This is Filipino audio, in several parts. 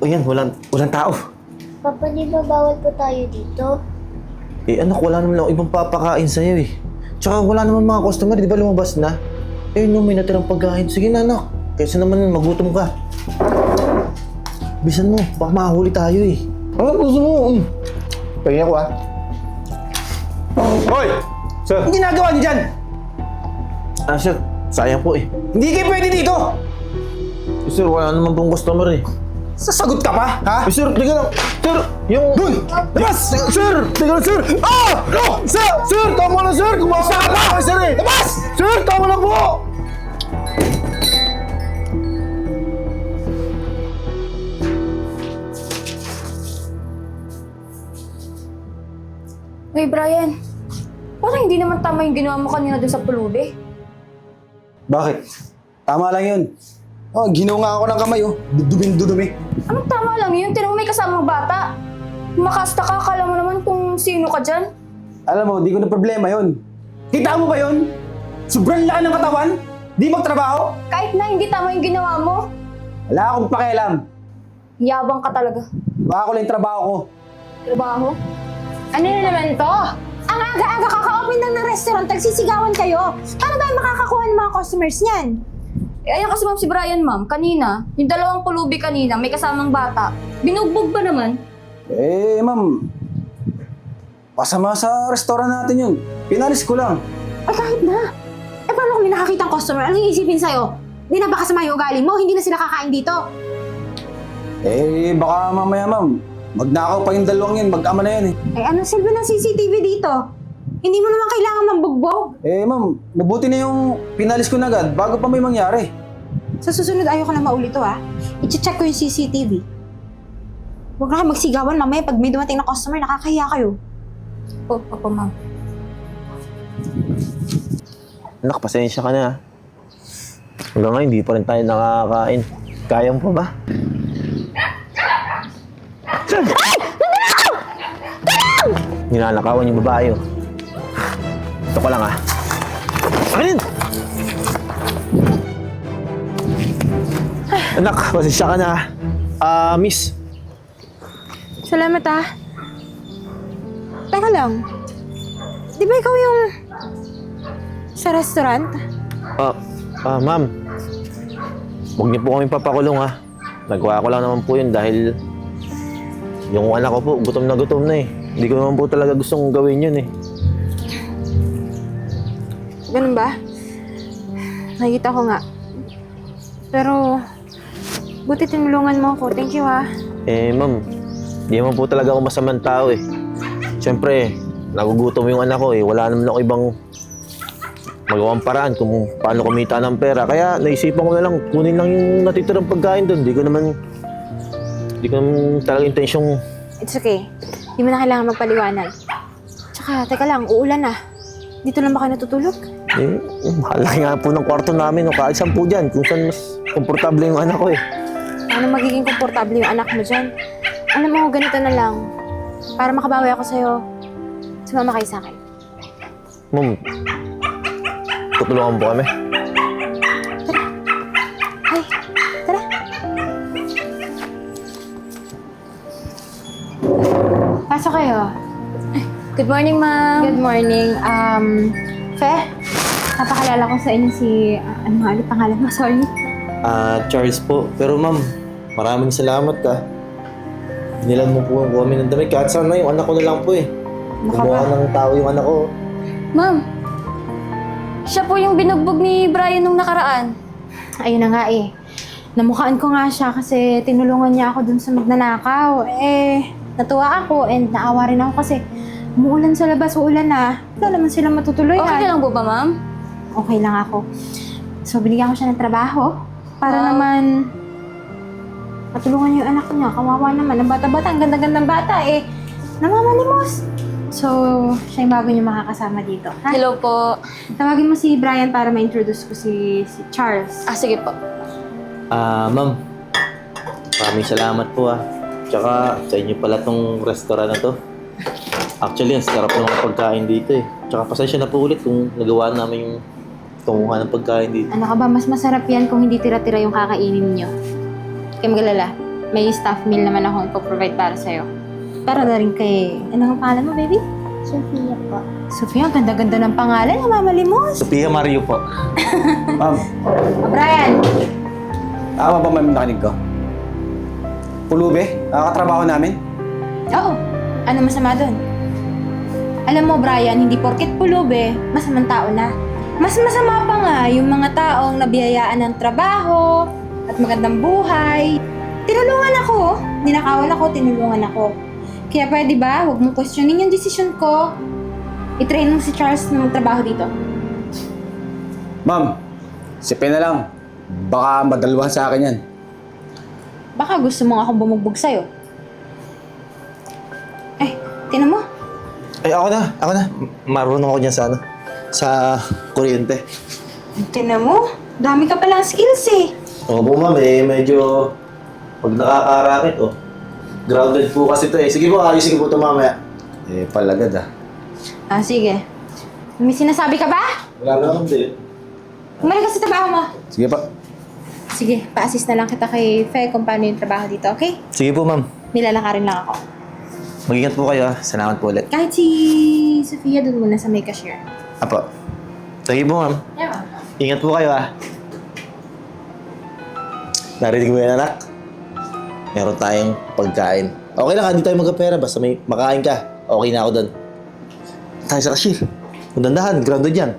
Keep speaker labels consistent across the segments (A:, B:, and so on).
A: Ayan, walang tao.
B: Papa, di ba bawal po tayo dito?
A: Eh anak, wala naman ako ibang papakain sa'yo eh. Tsaka wala naman mga customer, di ba lumabas na? Eh no, may natirang pagkain. Sige na anak, kaysa naman magutom ka. Bisan mo, baka mahuli tayo eh. Ano gusto mo? Pahingin ako ah.
C: Hoy! Sir!
A: Ang ginagawa niyo dyan? Ah sir, sayang po eh. Hindi kayo pwede dito! Eh, sir, wala naman pong customer eh. Sasagot ka pa? Ha? Eh, sir, teka lang. Sir, yung... Doon! Labas! Sir! Teka lang, sir! Ah! No! Sir! Sir! Tama na, sir! Kumakain ka pa! Sir eh! Labas! Sir! Tama na po!
D: Uy, Brian. Parang hindi naman tama yung ginawa mo kanina doon sa pulubi.
C: Bakit? Tama lang yun. Oh, ginawa nga ako ng kamay, oh. Dudumi.
D: Anong tama lang yun? Tinang may kasamang bata. Makasta ka, akala mo naman kung sino ka dyan.
C: Alam mo, di ko na problema yun. Kita mo ba yun? Sobrang laki ng katawan? Di magtrabaho?
D: Kahit na hindi tama yung ginawa mo,
C: Wala akong pakialam.
D: yabang ka talaga.
C: Baka ko lang yung trabaho ko.
D: Trabaho?
E: Ano na naman to? Ang aga-aga kaka-open lang ng restaurant, nagsisigawan kayo. Paano tayo makakakuha ng mga customers niyan?
D: Eh, ayun kasi ma'am si Brian, ma'am. Kanina, yung dalawang pulubi kanina, may kasamang bata. Binugbog ba naman?
C: Eh, ma'am. Pasama sa restaurant natin yun. Pinalis ko lang.
E: Ay, kahit na. Eh, paano kung may nakakitang customer? Anong iisipin sa'yo? Di na ba kasama yung ugali mo? Hindi na sila kakain dito.
C: Eh, baka mamaya, ma'am. Magnakaw pa yung dalawang yun. Mag-ama na yan eh.
E: Eh, anong silbi ng CCTV dito? Hindi mo naman kailangan mambugbog.
C: Eh, ma'am. Mabuti na yung pinalis ko na agad bago pa may mangyari.
E: Sa susunod, ayoko na maulito ha. I-check ko yung CCTV. Huwag na kayo magsigawan mamaya pag may dumating na customer, nakakahiya kayo.
D: Opo, ma'am.
A: Anak, pasensya ka na ha. Hanggang ngayon, hindi pa rin tayo nakakain. Kaya mo pa ba? Sir! Ay! Nananakaw! Tulong! Ninanakawan yung babae oh. Ito ko lang ha. Akin! Anak, pasensya ka na ha. Miss.
E: Salamat ah. Teka lang. Di ba ikaw yung sa restaurant?
A: Ma'am. Huwag niyo po kami papakulong ha. Nagawa ko lang naman po yun dahil yung anak ko po, gutom na eh. Hindi ko naman po talaga gustong gawin yun eh.
E: Ganun ba? Nakikita ko nga. Pero, buti tinulungan mo ako. Thank you ha.
A: Eh, ma'am, di naman po talaga ako masamang tao eh. Siyempre, nagugutom yung anak ko eh. Wala naman ako ibang magawang paraan kung paano kumita ng pera. Kaya naisipan ko na lang, kunin lang yung natitirang pagkain doon. Di ko naman talaga intensyong...
E: It's okay. Hindi mo na kailangan magpaliwanag. Tsaka, teka lang, uulan na. Dito lang ba kayo natutulog?
A: Eh, malaki nga po ng kwarto namin. Kahit saan po dyan, kung saan mas komportable yung anak ko eh.
E: Paano magiging komportable yung anak mo dyan? Alam mo, ganito na lang. Para makabawi ako sa'yo, sumama kayo sa akin.
A: Ma'am, tutulungan po kami.
E: Ay, tara. Pasok kayo.
D: Good morning, ma'am.
E: Good morning. Fe, napakalala ko sa inyo si... ano nga ulit pangalan mo? Sorry.
A: Charles po. Pero ma'am, maraming salamat ka. Binilan mo po kami ng damit. Kahit saan na yung anak ko na lang po eh. Gumawa ng tao yung anak ko.
D: Ma'am, siya po yung binugbog ni Brian nung nakaraan.
E: Ayun na nga eh. Namukhaan ko nga siya kasi tinulungan niya ako dun sa magnanakaw. Eh, natuwa ako and naawa rin ako kasi umuulan sa labas, uulan na. Wala naman sila matutuloy.
D: Okay ka lang po ba, ma'am?
E: Okay lang ako. So, binigyan ko siya ng trabaho para naman matulungan niya yung anak niya. Kawawa naman. Ang bata-bata, ang ganda-gandang bata eh. Namamalimos. So, siya yung bago niya makakasama dito. Ha?
D: Hello po.
E: Tawagin mo si Brian para ma-introduce ko si Charles.
D: Sige po.
A: Ma'am, maraming salamat po ah. Tsaka sa inyo pala tong restaurant na to. Actually, ang sarap ng mga pagkain dito eh. Tsaka pasensya na po ulit kung nagawa namin yung tunguhan ng pagkain dito.
E: Ano ka ba? Mas masarap yan kung hindi tira-tira yung kakainin niyo. Kaya magalala. may staff meal naman akong ipoprovide para sa'yo. Para na rin kay... Ano ang pangalan mo, baby?
B: Sophia po.
E: Sofia, ang ganda-ganda ng pangalan. Namamalimos.
A: Sophia Mario po.
C: Ma'am,
E: Brian!
C: tama ba ma'am nakinig ko? Pulube, katrabaho namin.
E: Oo. Ano masama doon? Alam mo, Brian, hindi porket pulube, masamang tao na. Mas masama pa nga yung mga taong nabiyayaan ng trabaho at magandang buhay. Tinulungan ako. Ninakawan ako, tinulungan ako. Kaya pwede ba, huwag mong questionin yung desisyon ko. I-train mo si Charles na magtrabaho dito.
C: Ma'am, sipin na lang. Baka madalwan sa akin yan.
E: Baka gusto mo akong bumugbog sa'yo. Eh, tinan mo.
A: Ay, ako na. Marunong ako dyan sa ano, sa kuryente.
E: Tinan mo. Dami ka palang skills eh.
A: Oo po, ma'am, medyo pag nakakarakit, grounded po kasi ito eh. Sige po, ayusin ko po ito mamaya.
C: Palagad ah.
E: Ah, sige. May sinasabi ka ba?
A: Wala naman din.
E: Umalik ka sa trabaho mo.
C: Sige pa.
E: Sige, pa-assist na lang kita kay Fe kung paano yung trabaho dito, okay?
A: Sige po, ma'am.
E: Nilalakarin lang ako.
A: Mag-ingat po kayo, Salamat po ulit.
E: Kahit si Sofia doon muna sa may cashier.
A: Apo. Sige po, ma'am.
E: Yeah.
A: Ingat po kayo, Narinig mo yan, anak? Meron tayong pagkain. Okay lang, hindi tayo magkapera. Basta may makain ka. Okay na ako doon. Tayo sa cashier. Kung dandahan, grounded yan.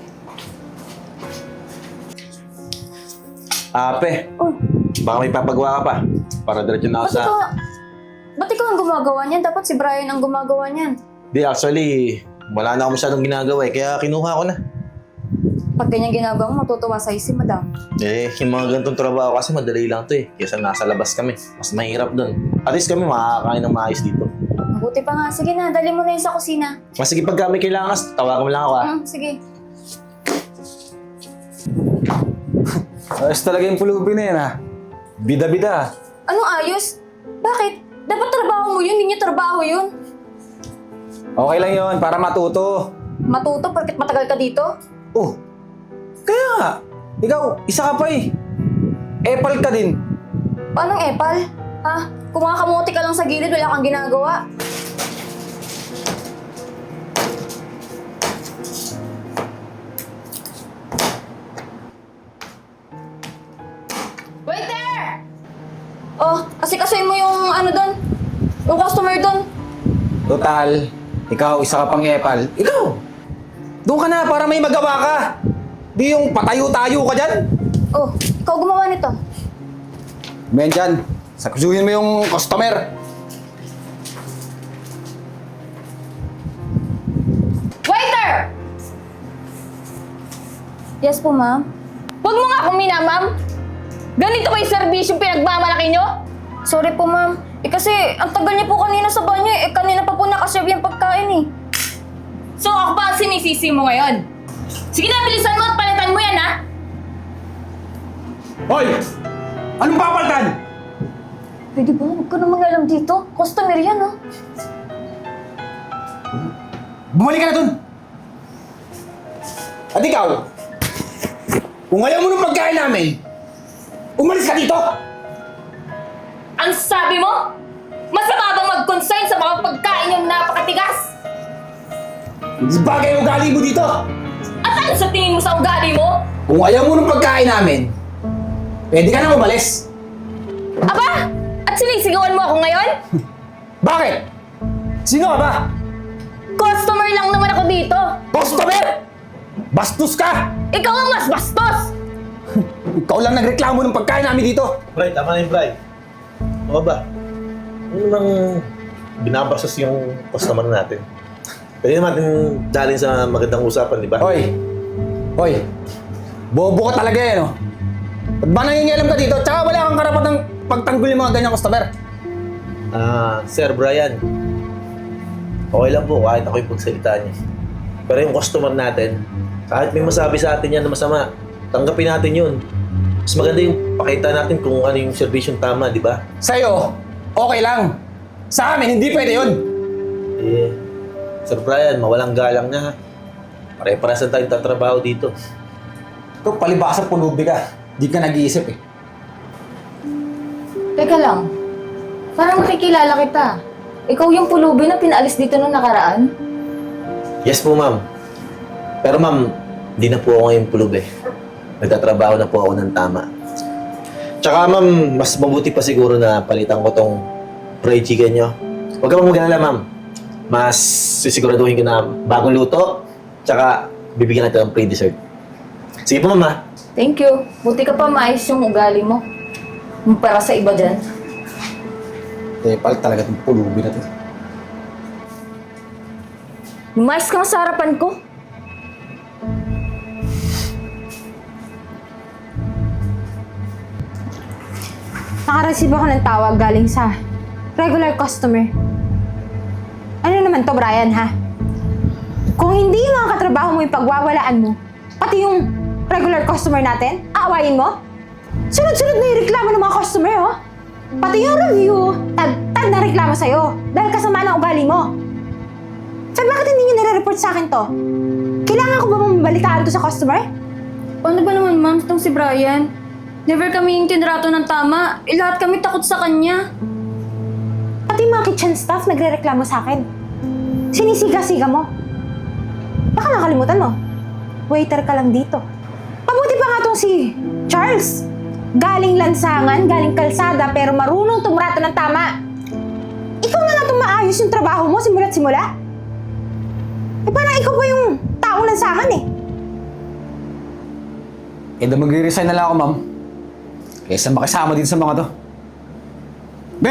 A: Ape, baka may papagawa ka pa. Para diretso na ako sa...
D: Ba't ikaw ang gumagawa niyan? Dapat si Brian ang gumagawa niyan.
A: Di, actually, wala na ako masyadong ginagawa kaya kinuha ko na.
D: Pag ganyan ginagawa mo, matutuwa sa'yo si madam.
A: Yung mga ganitong trabaho kasi madali lang to Kesa nasa labas kami. Mas mahirap doon. At least kami makakakain ng maayos dito.
D: Mabuti pa nga. Sige na, dali mo na yun sa kusina.
A: Mas sige, pagka may kailangan ka, tawagan mo lang ako
D: Sige.
C: Ayos talaga yung pulubi na yan ah. Bida-bida.
D: Anong ayos? Bakit? Dapat trabaho mo yun, hindi niya trabaho yun.
C: Okay lang yon para matuto.
D: Matuto porket matagal ka dito?
C: Oh, kaya nga. Ikaw, isa ka pa eh. Epal ka din.
D: Paanong epal? Ha? Kumakamuti ka lang sa gilid, wala kang ginagawa. Waiter! Oh, kasi mo yung ano doon. Yung customer doon.
C: Total, ikaw, isa ka pang epal. Ikaw! Doon ka na para may magawa ka. Di yung patayo-tayo ka dyan.
D: Oh, ikaw gumawa nito.
C: Men dyan, sakusuhin mo yung customer.
D: Waiter! Yes po, ma'am.
F: Huwag mo nga akong minamam! Ganito ba yung serbisyong pinagmamalaki nyo?
D: Sorry po, ma'am. Kasi ang tagal niya po kanina sa banyo kanina pa po nakaserve yung pagkain
F: So ako pa ang sinisisi mo ngayon? Sige na, bilisan mo at palitan mo yan, ha?
C: Hoy! Anong papalitan?
D: Pwede ba? Huwag ka namang alam dito. Customer yan,
C: Bumalik ka na dun! At ikaw, kung ayaw mo ng pagkain namin, umalis ka dito!
F: Ang sabi mo? Masama bang mag-consign sa mga pagkain yung napakatigas?
C: Hindi bagay yung ugali mo dito!
F: At ano sa tingin mo sa ugali mo?
C: Kung ayaw mo ng pagkain namin, pwede ka na umalis.
F: Aba! At sinisigawan mo ako ngayon?
C: Bakit? Sino ka ba?
F: Customer lang naman ako dito!
C: Customer! Bastos ka!
F: Ikaw ang mas bastos!
C: Ikaw lang nagreklamo ng pagkain namin dito.
A: Bray, tama na yung Bray. Ano ba? Ano namang binabastos yung customer natin? Pwede naman natin dalhin sa magandang usapan, di ba?
C: Hoy! Hoy! Bobo ka talaga no? Ba't ba nangingialam ka dito? Tsaka wala kang karapatang pagtanggol yung mga ganyang customer.
A: Sir Brian. Okay lang po kahit ako yung pagsalita niya. Pero yung customer natin, kahit may masabi sa atin yan na masama, tanggapin natin yun. Mas maganda yung pakita natin kung ano yung serbisyong tama, di ba?
C: Sa'yo, okay lang. Sa amin, hindi pwede yun.
A: Sir Brian, mawalang galang na. Pare-paresan tayong tatrabaho dito.
C: Ito, palibasa pulubi ka. Di ka nag-iisip eh.
F: Teka lang. Parang nakikilala kita. Ikaw yung pulubi na pinaalis dito nung nakaraan?
A: Yes po, ma'am. Pero ma'am, di na po ako ngayon pulub eh. Nagtatrabaho na po ako ng tama. Tsaka ma'am, mas mabuti pa siguro na palitan ko tong fried chicken nyo. Huwag ka mag-alala, ma'am. Mas sisiguraduhin ko na bagong luto, tsaka bibigyan natin ng free dessert. Sige po, ma'am ha.
F: Thank you. Buti ka pa maayos yung ugali mo. Para sa iba dyan.
C: Epal talaga itong pulubi na to.
F: Lumayas ka nga sa harapan ko.
E: Nakareceive ako ng tawag galing sa regular customer. Ano naman to, Brian, ha? Kung hindi yung mga katrabaho mo yung pagwawalaan mo, pati yung regular customer natin, aawayin mo? Sunod-sunod na yung reklamo ng mga customer, oh. Pati yung review, tag na reklamo sa'yo dahil kasama ng ugali mo. So, bakit hindi nyo nire-report sa akin to? Kailangan ko ba mabalitaan to sa customer?
D: Paano ba naman, ma'am, itong si Brian? Never kami yung tinrato ng tama. Lahat kami takot sa kanya.
E: Pati yung mga kitchen staff nagre-reklamo sa akin. Sinisiga-siga mo. Baka nakalimutan mo. Waiter ka lang dito. Mabuti pa nga tong si Charles. Galing lansangan, galing kalsada, pero marunong tumrato ng tama. Ikaw na nga itong maayos yung trabaho mo simula't simula. Eh parang ikaw pa yung taong lansangan eh.
C: Eh, magre-resign na lang ako, ma'am. Kaysa makisama din sa mga to. Be!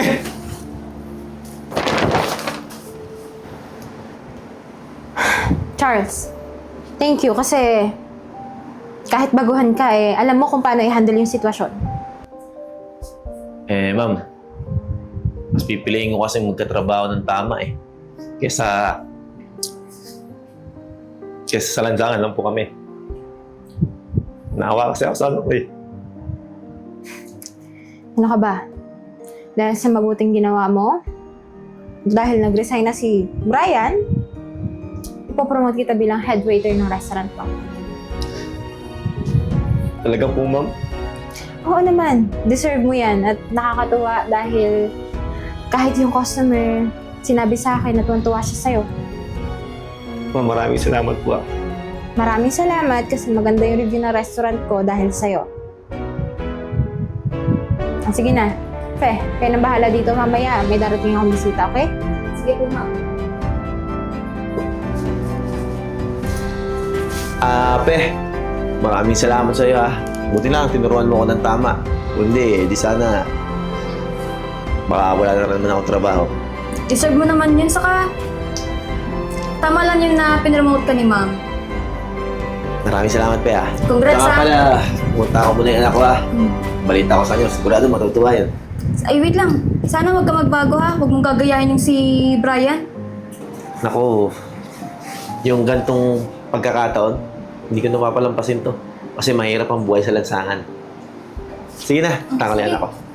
E: Charles, thank you kasi kahit baguhan ka alam mo kung paano i-handle yung sitwasyon.
A: Eh, ma'am. Mas pipiliin ko kasi magkatrabaho ng tama eh. Kesa sa lansangan lang po kami. Naawa kasi ako sa ano ko eh.
E: Ano ka ba? Dahil sa mabuting ginawa mo, dahil nag-resign na si Brian, ipopromote kita bilang head waiter ng restaurant ko.
A: Talaga po, ma'am?
E: Oo naman, deserve mo yan at nakakatuwa dahil kahit yung customer sinabi sa akin na tuwan-tuwa siya sa'yo.
A: Ma'am, maraming salamat po.
E: Maraming salamat kasi maganda yung review ng restaurant ko dahil sa'yo. Sige na, Fe, kayo nang bahala dito mamaya. May darating akong bisita, okay?
F: Sige po, ma'am.
A: Pe, maraming salamat sa iyo ha. Buti lang, tinuruan mo ako ng tama. Kundi, di sana baka wala na naman akong trabaho.
D: Deserve mo naman yun. Saka, tama lang yun na pinromote ka ni ma'am.
A: Maraming salamat, Pe ha.
D: Congrats,
A: Saka
D: ha.
A: pala, pumunta ako muna yung anak ko ha. Balita ko sa inyo, sigurado matutuwa yun.
D: Ay, wait lang. Sana wag ka magbago ha. Huwag mong gagayahin yung si Brian.
A: Naku, yung gantong pagkakataon, hindi ko napapalampasin to. Kasi mahirap ang buhay sa lansangan. Sige na, tangalian ako.